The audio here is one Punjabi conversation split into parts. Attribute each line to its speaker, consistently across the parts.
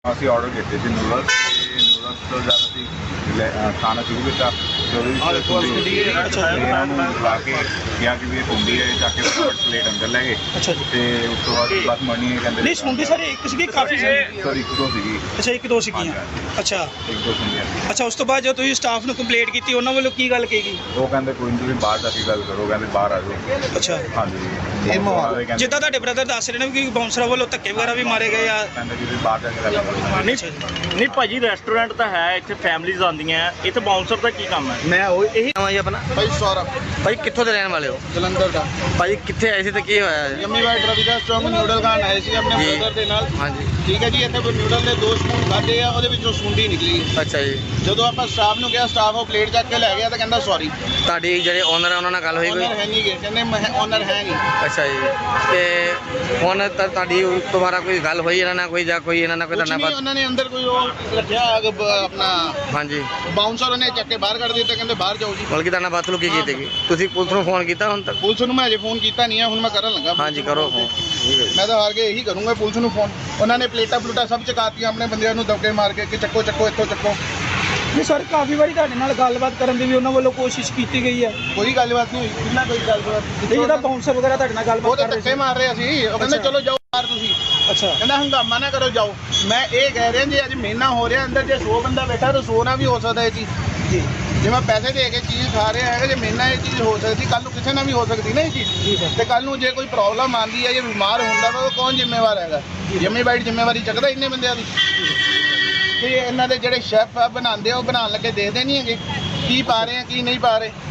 Speaker 1: ਅਸੀਂ ਆਰਡਰ ਕੀਤੇ ਸੀ ਨੂਡਲਸ ਤੋਂ ਜਦ ਅਸੀਂ ਖਾਣਾ ਸ਼ੁਰੂ ਕੀਤਾ ਤੇ ਉਹਦੇ ਵਿੱਚ ਇਹਨਾਂ ਨੂੰ ਲਾ ਕੇ ਕਿਹਾ ਕਿ ਵੀ ਇਹ ਸੁੰਡੀ ਹੈ, ਚੱਕ ਕੇ ਪਲੇਟ ਅੰਦਰ ਲੈ ਗਏ।
Speaker 2: ਅੱਛਾ ਜੀ।
Speaker 1: ਤੇ ਉਸ ਤੋਂ ਬਾਅਦ ਬਸ ਮਣੀ ਕਹਿੰਦੇ
Speaker 2: ਨਹੀਂ ਸੁਣਦੀ ਸਰ ਇੱਕ ਸੀਗੀ ਕਾਫੀ ਸੀ
Speaker 1: ਸਰ ਇੱਕ ਦੋ ਸੀਗੀ।
Speaker 2: ਅੱਛਾ ਇੱਕ ਦੋ ਸੀਗੀਆਂ। ਅੱਛਾ
Speaker 1: ਇੱਕ ਦੋ ਸੁੰਡੀਆਂ।
Speaker 2: ਅੱਛਾ ਉਸ ਤੋਂ ਬਾਅਦ ਜਦੋਂ ਤੁਸੀਂ ਸਟਾਫ ਨੂੰ ਕੰਪਲੇਂਟ ਕੀਤੀ ਉਹਨਾਂ ਵੱਲੋਂ ਕੀ ਗੱਲ ਕਹੀ ਗਈ?
Speaker 1: ਉਹ ਕਹਿੰਦੇ ਕੋਈ ਨਹੀਂ ਤੁਸੀਂ ਬਾਹਰ ਜਾ ਕੇ ਗੱਲ ਕਰੋ, ਕਹਿੰਦੇ ਬਾਹਰ ਆ ਜਾਓ।
Speaker 2: ਅੱਛਾ
Speaker 1: ਹਾਂਜੀ
Speaker 2: ਜਿੱਦਾਂ ਤੁਹਾਡੇ ਬ੍ਰਦਰ ਦੱਸ ਰਹੇ ਨੇ ਕਿ ਬਾਉਂਸਰਾਂ ਵੱਲੋਂ ਧੱਕੇ ਵਗੈਰਾ ਵੀ ਮਾਰੇ ਗਏ ਆ।
Speaker 1: ਕਹਿੰਦੇ ਕਿ ਤੁਸੀਂ ਬਾਹਰ ਜਾ ਕੇ ਗੱਲ ਕਰੋ।
Speaker 3: ਨਹੀਂ ਭਾਜੀ ਰੈਸਟੋਰੈਂਟ ਤਾਂ ਹੈ, ਇੱਥੇ ਫੈਮਲੀਜ਼ ਆਉਂਦੀਆਂ, ਇੱਥੇ ਬਾਉਂਸਰ ਦਾ ਕੀ ਕੰਮ ਹੈ?
Speaker 4: ਮੈਂ ਉਹ ਇਹੀ ਨਾਮ ਹੈ ਜੀ ਆਪਣਾ
Speaker 5: ਭਾਈ ਸੌਰਵ,
Speaker 4: ਭਾਈ ਕਿੱਥੋਂ ਦੇ ਰਹਿਣ ਵਾਲੇ ਹੋ?
Speaker 5: ਜਲੰਧਰ ਦਾ।
Speaker 4: ਭਾਈ ਕਿੱਥੇ ਆਏ ਸੀ ਤੇ ਕੀ ਹੋਇਆ ਜੀ?
Speaker 5: ਯੰਮੀ ਵਾਈਟ ਰਵੀ ਦਾ ਸਟਰੋਂਗ ਨਿਊਡਲ ਖਾਣ ਆਏ ਸੀ ਆਪਣੇ
Speaker 4: ਜੀ।
Speaker 5: ਬ੍ਰਦਰ ਦੇ ਨਾਲ।
Speaker 4: ਹਾਂਜੀ
Speaker 5: ਠੀਕ ਹੈ ਜੀ। ਇੱਥੇ ਨਿਊਡਲ ਦੇ 2 ਸਪੂਨ ਖਾਧੇ ਆ, ਉਹਦੇ ਵਿੱਚੋਂ ਸੁੰਡੀ ਨਿਕਲੀ।
Speaker 4: ਅੱਛਾ ਜੀ।
Speaker 5: ਜਦੋਂ ਆਪਾਂ ਸਟਾਫ ਨੂੰ ਕਿਹਾ, ਸਟਾਫ ਉਹ ਪਲੇਟ ਚੱਕ ਕੇ ਲੈ ਗਿਆ ਤਾਂ ਕਹਿੰਦਾ ਸੌਰੀ।
Speaker 4: ਤੁਹਾਡੀ ਜਿਹੜੇ ਓਨਰ ਆ ਉਹਨਾਂ ਨਾਲ ਗੱਲ ਹੋਈ ਕੋਈ?
Speaker 5: ਓਨਰ ਹੈ ਨਹੀਂ ਗੇ, ਕਹਿੰਦੇ ਓਨਰ ਹੈ ਨਹੀਂ।
Speaker 4: ਅੱਛਾ ਜੀ। ਤੇ ਹੁਣ ਤੁਹਾਡੀ ਦੁਬਾਰਾ ਕੋਈ ਗੱਲ ਹੋਈ ਇਹਨਾਂ ਨਾਲ ਕੋਈ ਜਾਂ ਕੋਈ ਇਹਨਾਂ ਨਾਲ ਕੋਈ
Speaker 5: ਕੁਛ
Speaker 4: ਧੰਨਵਾਦ?
Speaker 5: ਨਹੀਂ, ਉਹਨਾਂ ਨੇ ਅੰਦਰ ਕੋਈ ਉਹ ਰੱਖਿਆ ਆਪਣਾ
Speaker 4: ਹਾਂਜੀ
Speaker 5: ਬਾਉਂਸਰ, ਉਹਨੇ ਚੱਕ ਕੇ ਬਾਹਰ ਕੱਢ ਦਿੱਤਾ, ਕਹਿੰਦੇ ਬਾਹਰ ਜਾਓ ਜੀ।
Speaker 4: ਬਲਕਿ ਤੁਹਾਡਾ ਬਾਤ ਕੀ ਕੀਤੀ ਗਈ? ਤੁਸੀਂ ਪੁਲਿਸ ਨੂੰ ਫੋਨ ਕੀਤਾ ਹੁਣ ਤੱਕ?
Speaker 5: ਪੁਲਿਸ ਨੂੰ ਮੈਂ ਅਜੇ ਫੋਨ ਕੀਤਾ ਨਹੀਂ ਹੈ, ਹੁਣ ਮੈਂ ਕਰਨ ਲੱਗਾ।
Speaker 4: ਹਾਂਜੀ ਕਰੋ ਫੋਨ। ਠੀਕ ਹੈ ਜੀ।
Speaker 5: ਮੈਂ ਤਾਂ ਹਾਰ ਕੇ ਇਹੀ ਕਰੂੰਗਾ ਪੁਲਿਸ ਨੂੰ ਫੋਨ। ਉਹਨਾਂ ਨੇ ਪਲੇਟਾਂ ਪਲੂਟਾਂ ਸਭ ਚਕਾਤੀਆਂ ਆਪਣੇ ਬੰਦਿਆਂ ਨੂੰ ਦਬਕੇ ਮਾਰ ਕੇ ਕਿ ਚੱਕੋ ਚੱਕੋ ਇੱਥੋਂ ਚੱਕੋ।
Speaker 2: ਨਹੀਂ ਸਰ ਕਾਫੀ ਵਾਰੀ ਤੁਹਾਡੇ ਨਾਲ ਗੱਲਬਾਤ ਕਰਨ ਦੀ ਵੀ ਉਹਨਾਂ ਵੱਲੋਂ ਕੋਸ਼ਿਸ਼ ਕੀਤੀ ਗਈ ਹੈ।
Speaker 5: ਕੋਈ ਗੱਲਬਾਤ ਨਹੀਂ ਹੋਈ, ਕਿੰਨਾ ਕੋਈ ਗੱਲਬਾਤ
Speaker 2: ਤੇ ਜਿਹਦਾ ਬਾਉਂਸਰ ਵਗੈਰਾ ਤੁਹਾਡੇ ਨਾਲ
Speaker 5: ਉਹ
Speaker 2: ਗੱਲਬਾਤ
Speaker 5: ਤਾਂ
Speaker 2: ਕਰ ਰਹੇ
Speaker 5: ਧੱਕੇ
Speaker 2: ਸੀ।
Speaker 5: ਮਾਰ ਰਹੇ ਸੀ। ਉਹ ਕਹਿੰਦੇ
Speaker 2: ਅੱਛਾ।
Speaker 5: ਚਲੋ ਜਾਓ ਬਾਹਰ ਤੁਸੀਂ।
Speaker 2: ਅੱਛਾ
Speaker 5: ਕਹਿੰਦਾ ਹੰਗਾਮਾ ਨਾ ਕਰੋ, ਜਾਓ। ਮੈਂ ਇਹ ਕਹਿ ਰਿਹਾ ਜੇ ਅੱਜ ਮਹੀਨਾ ਹੋ ਰਿਹਾ ਅੰਦਰ, ਜੇ 100 ਬੰਦਾ ਬੈਠਾ ਤਾਂ 100 ਨਾ ਵੀ ਹੋ ਸਕਦਾ ਇਹ ਚੀਜ਼।
Speaker 2: ਜੀ
Speaker 5: ਜੇ ਮੈਂ ਪੈਸੇ ਦੇ ਕੇ ਚੀਜ਼ ਖਾ ਰਿਹਾ ਹੈਗਾ, ਜੇ ਮਹੀਨਾ ਇਹ ਚੀਜ਼ ਹੋ ਸਕਦੀ, ਕੱਲ ਨੂੰ ਕਿਸੇ ਨਾਲ ਵੀ ਹੋ ਸਕਦੀ ਨਾ ਇਹ ਚੀਜ਼।
Speaker 2: ਜੀ ਸਰ।
Speaker 5: ਤੇ ਕੱਲ ਨੂੰ ਜੇ ਕੋਈ ਪ੍ਰੋਬਲਮ ਆਉਂਦੀ ਹੈ, ਜੇ ਬਿਮਾਰ ਹੁੰਦਾ ਵਾ, ਉਹ ਕੌਣ ਜ਼ਿੰਮੇਵਾਰ ਹੈਗਾ? ਯੰਮੀ ਬਾਈਟ ਜ਼ਿੰਮੇਵਾਰੀ ਚੱਕਦਾ ਇੰਨੇ ਬੰਦਿਆਂ ਦੀ? ਤੇ ਇਹਨਾਂ ਦੇ ਜਿਹੜੇ ਸ਼ੈਫ ਆ ਬਣਾਉਂਦੇ ਆ, ਉਹ ਬਣਾਉਣ ਲੱਗੇ ਦੇਖਦੇ ਨਹੀਂ ਹੈਗੇ ਕੀ ਪਾ ਰਹੇ ਆ ਕੀ ਨਹੀਂ ਪਾ ਰਹੇ।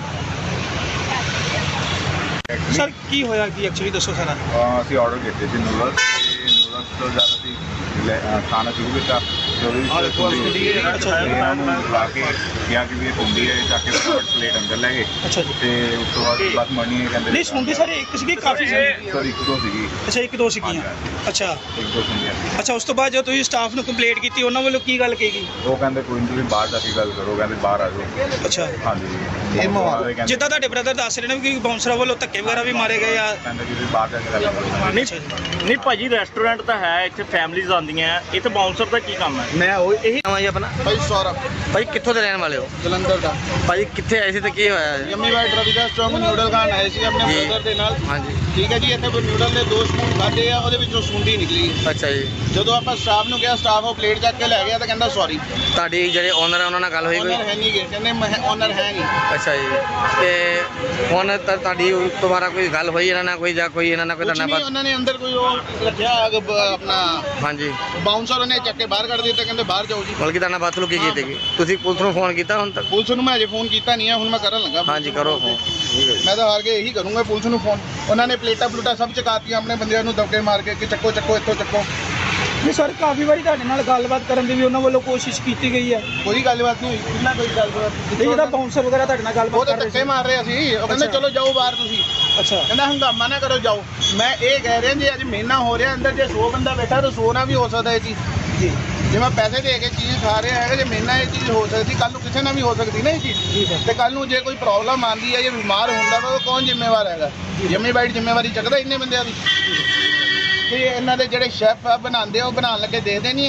Speaker 2: ਸਰ ਕੀ ਹੋਇਆ ਕੀ ਐਕਚੁਅਲੀ ਦੱਸੋ ਸਾਰਾ।
Speaker 1: ਅਸੀਂ ਆਰਡਰ ਕੀਤੇ ਸੀ ਨੂਡਲਸ ਤੋਂ ਜਦ ਅਸੀਂ ਖਾਣਾ ਸ਼ੁਰੂ ਕੀਤਾ ਤੇ ਉਹਦੇ ਵਿੱਚ ਇਹਨਾਂ ਨੂੰ ਲਾ ਕੇ ਕਿਹਾ ਕਿ ਵੀ ਇਹ ਸੁੰਡੀ ਹੈ, ਚੱਕ ਕੇ ਪਲੇਟ ਅੰਦਰ ਲੈ ਗਏ।
Speaker 2: ਅੱਛਾ ਜੀ।
Speaker 1: ਤੇ ਉਸ ਤੋਂ ਬਾਅਦ ਬਸ ਮਣੀ ਕਹਿੰਦੇ
Speaker 2: ਨਹੀਂ ਸੁਣਦੀ ਸਰ ਇੱਕ ਸੀਗੀ ਕਾਫੀ ਸੀ
Speaker 1: ਸਰ ਇੱਕ ਦੋ ਸੀਗੀ।
Speaker 2: ਅੱਛਾ ਇੱਕ ਦੋ ਸੀਗੀਆਂ। ਅੱਛਾ
Speaker 1: ਇੱਕ ਦੋ ਸੁੰਡੀਆਂ।
Speaker 2: ਅੱਛਾ ਉਸ ਤੋਂ ਬਾਅਦ ਜਦੋਂ ਤੁਸੀਂ ਸਟਾਫ ਨੂੰ ਕੰਪਲੇਂਟ ਕੀਤੀ ਉਹਨਾਂ ਵੱਲੋਂ ਕੀ ਗੱਲ ਕਹੀ ਗਈ?
Speaker 1: ਉਹ ਕਹਿੰਦੇ ਕੋਈ ਨਹੀਂ ਤੁਸੀਂ ਬਾਹਰ ਜਾ ਕੇ ਗੱਲ ਕਰੋ, ਕਹਿੰਦੇ ਬਾਹਰ ਆ ਜਾਓ।
Speaker 2: ਅੱਛਾ
Speaker 1: ਹਾਂਜੀ
Speaker 5: ਇਹ ਮਾਹੌਲ
Speaker 2: ਜਿੱਦਾਂ ਤੁਹਾਡੇ ਬ੍ਰਦਰ ਦੱਸ ਰਹੇ ਨੇ ਕਿ ਬਾਉਂਸਰਾਂ ਵੱਲੋਂ ਧੱਕੇ ਵਗੈਰਾ ਵੀ ਮਾਰੇ ਗਏ ਆ।
Speaker 1: ਕਹਿੰਦੇ ਕਿ ਤੁਸੀਂ ਬਾਹਰ ਜਾ ਕੇ ਗੱਲ ਕਰੋ।
Speaker 3: ਨਹੀਂ ਭਾਜੀ ਰੈਸਟੋਰੈਂਟ ਤਾਂ ਹੈ, ਇੱਥੇ ਫੈਮਲੀਜ਼ ਆਉਂਦੀਆਂ, ਇੱਥੇ ਬਾਉਂਸਰ ਦਾ ਕੀ ਕੰਮ ਹੈ?
Speaker 4: ਮੈਂ ਉਹ ਇਹੀ ਨਾਮ ਹੈ ਜੀ ਆਪਣਾ
Speaker 5: ਭਾਈ ਸੌਰਵ,
Speaker 4: ਭਾਈ ਕਿੱਥੋਂ ਦੇ ਰਹਿਣ ਵਾਲੇ ਹੋ?
Speaker 5: ਜਲੰਧਰ ਦਾ।
Speaker 4: ਭਾਈ ਕਿੱਥੇ ਆਏ ਸੀ ਤੇ ਕੀ ਹੋਇਆ ਜੀ?
Speaker 5: ਯੰਮੀ ਵਾਈਟ ਰਵੀ ਦਾ ਸਟਰੋਂਗ ਨਿਊਡਲ ਖਾਣ ਆਏ ਸੀ ਆਪਣੇ
Speaker 4: ਜੀ।
Speaker 5: ਬ੍ਰਦਰ ਦੇ ਨਾਲ।
Speaker 4: ਹਾਂਜੀ
Speaker 5: ਠੀਕ ਹੈ ਜੀ। ਇੱਥੇ ਨਿਊਡਲ ਦੇ 2 ਸਪੂਨ ਖਾਧੇ ਆ, ਉਹਦੇ ਵਿੱਚੋਂ ਸੁੰਡੀ ਨਿਕਲੀ।
Speaker 4: ਅੱਛਾ ਜੀ।
Speaker 5: ਜਦੋਂ ਆਪਾਂ ਸਟਾਫ ਨੂੰ ਕਿਹਾ, ਸਟਾਫ ਉਹ ਪਲੇਟ ਚੱਕ ਕੇ ਲੈ ਗਿਆ ਤਾਂ ਕਹਿੰਦਾ ਸੌਰੀ।
Speaker 4: ਤੁਹਾਡੀ ਜਿਹੜੇ ਓਨਰ ਆ ਉਹਨਾਂ ਨਾਲ ਗੱਲ ਹੋਈ ਕੋਈ?
Speaker 5: ਓਨਰ ਹੈ ਨਹੀਂ ਗੇ, ਕਹਿੰਦੇ ਓਨਰ ਹੈ ਨਹੀਂ।
Speaker 4: ਅੱਛਾ ਜੀ। ਤੇ ਹੁਣ ਤੁਹਾਡੀ ਦੁਬਾਰਾ ਕੋਈ ਗੱਲ ਹੋਈ ਇਹਨਾਂ ਨਾਲ ਕੋਈ ਜਾਂ ਕੋਈ ਇਹਨਾਂ ਨਾਲ ਕੋਈ
Speaker 5: ਕੁਛ ਨਹੀਂ,
Speaker 4: ਧੰਨਵਾਦ?
Speaker 5: ਉਹਨਾਂ ਨੇ ਅੰਦਰ ਕੋਈ ਉਹ ਰੱਖਿਆ ਆਪਣਾ
Speaker 4: ਹਾਂਜੀ
Speaker 5: ਬਾਉਂਸਰ, ਉਹਨੇ ਚੱਕ ਕੇ ਬਾਹਰ ਕੱਢ ਦਿੱਤਾ, ਕਹਿੰਦੇ ਬਾਹਰ ਜਾਓ ਜੀ।
Speaker 4: ਬਲਕਿ ਤੁਹਾਡਾ ਬਾਤ ਕੀ ਕੀਤੀ ਗਈ? ਤੁਸੀਂ ਪੁਲਿਸ ਨੂੰ ਫੋਨ ਕੀਤਾ ਹੁਣ ਤੱਕ?
Speaker 5: ਪੁਲਿਸ ਨੂੰ ਮੈਂ ਅਜੇ ਫੋਨ ਕੀਤਾ ਨਹੀਂ ਹੈ, ਹੁਣ ਮੈਂ ਕਰਨ ਲੱਗਾ।
Speaker 4: ਹਾਂਜੀ ਕਰੋ ਫੋਨ। ਠੀਕ ਹੈ ਜੀ।
Speaker 5: ਮੈਂ ਤਾਂ ਹਾਰ ਕੇ ਇਹੀ ਕਰੂੰਗਾ ਪੁਲਿਸ ਨੂੰ ਫੋਨ। ਉਹਨਾਂ ਨੇ ਪਲੇਟਾਂ ਪਲੂਟਾਂ ਸਭ ਚਕਾਤੀਆਂ ਆਪਣੇ ਬੰਦਿਆਂ ਨੂੰ ਦਬਕੇ ਮਾਰ ਕੇ ਕਿ ਚੱਕੋ ਚੱਕੋ ਇੱਥੋਂ ਚੱਕੋ।
Speaker 2: ਨਹੀਂ ਸਰ ਕਾਫੀ ਵਾਰੀ ਤੁਹਾਡੇ ਨਾਲ ਗੱਲਬਾਤ ਕਰਨ ਦੀ ਵੀ ਉਹਨਾਂ ਵੱਲੋਂ ਕੋਸ਼ਿਸ਼ ਕੀਤੀ ਗਈ ਹੈ।
Speaker 5: ਕੋਈ ਗੱਲਬਾਤ ਨਹੀਂ ਹੋਈ, ਕਿੰਨਾ ਕੋਈ ਗੱਲਬਾਤ।
Speaker 2: ਤੇ ਜਿਹਦਾ ਬਾਉਂਸਰ ਵਗੈਰਾ ਤੁਹਾਡੇ ਨਾਲ
Speaker 5: ਉਹ
Speaker 2: ਗੱਲਬਾਤ
Speaker 5: ਤਾਂ
Speaker 2: ਕਰ ਰਹੇ
Speaker 5: ਧੱਕੇ
Speaker 2: ਸੀ।
Speaker 5: ਮਾਰ ਰਹੇ ਸੀ। ਉਹ ਕਹਿੰਦੇ
Speaker 2: ਅੱਛਾ।
Speaker 5: ਚਲੋ ਜਾਓ ਬਾਹਰ ਤੁਸੀਂ।
Speaker 2: ਅੱਛਾ
Speaker 5: ਕਹਿੰਦਾ ਹੰਗਾਮਾ ਨਾ ਕਰੋ, ਜਾਓ। ਮੈਂ ਇਹ ਕਹਿ ਰਿਹਾ ਜੇ ਅੱਜ ਮਹੀਨਾ ਹੋ ਰਿਹਾ ਅੰਦਰ, ਜੇ 100 ਬੰਦਾ ਬੈਠਾ ਤਾਂ 100 ਨਾ ਵੀ ਹੋ ਸਕਦਾ ਇਹ ਚੀਜ਼।
Speaker 2: ਜੀ
Speaker 5: ਜੇ ਮੈਂ ਪੈਸੇ ਦੇ ਕੇ ਚੀਜ਼ ਖਾ ਰਿਹਾ ਹੈਗਾ, ਜੇ ਮਹੀਨਾ ਇਹ ਚੀਜ਼ ਹੋ ਸਕਦੀ, ਕੱਲ ਨੂੰ ਕਿਸੇ ਨਾਲ ਵੀ ਹੋ ਸਕਦੀ ਨਾ ਇਹ
Speaker 2: ਜੀ
Speaker 5: ਚੀਜ਼।
Speaker 2: ਸਰ।
Speaker 5: ਤੇ ਕੱਲ ਨੂੰ ਜੇ ਕੋਈ ਪ੍ਰੋਬਲਮ ਆਉਂਦੀ ਹੈ, ਜੇ ਬਿਮਾਰ ਹੁੰਦਾ ਵਾ, ਉਹ ਕੌਣ ਜ਼ਿੰਮੇਵਾਰ ਹੈਗਾ? ਯੰਮੀ ਬਾਈਟ ਜ਼ਿੰਮੇਵਾਰੀ ਚੱਕਦਾ ਇੰਨੇ ਬੰਦਿਆਂ ਦੀ? ਤੇ ਇਹਨਾਂ ਦੇ ਜਿਹੜੇ ਸ਼ੈਫ ਆ ਬਣਾਉਂਦੇ ਆ, ਉਹ ਬਣਾਉਣ ਲੱਗੇ ਦੇਖਦੇ ਨਹੀਂ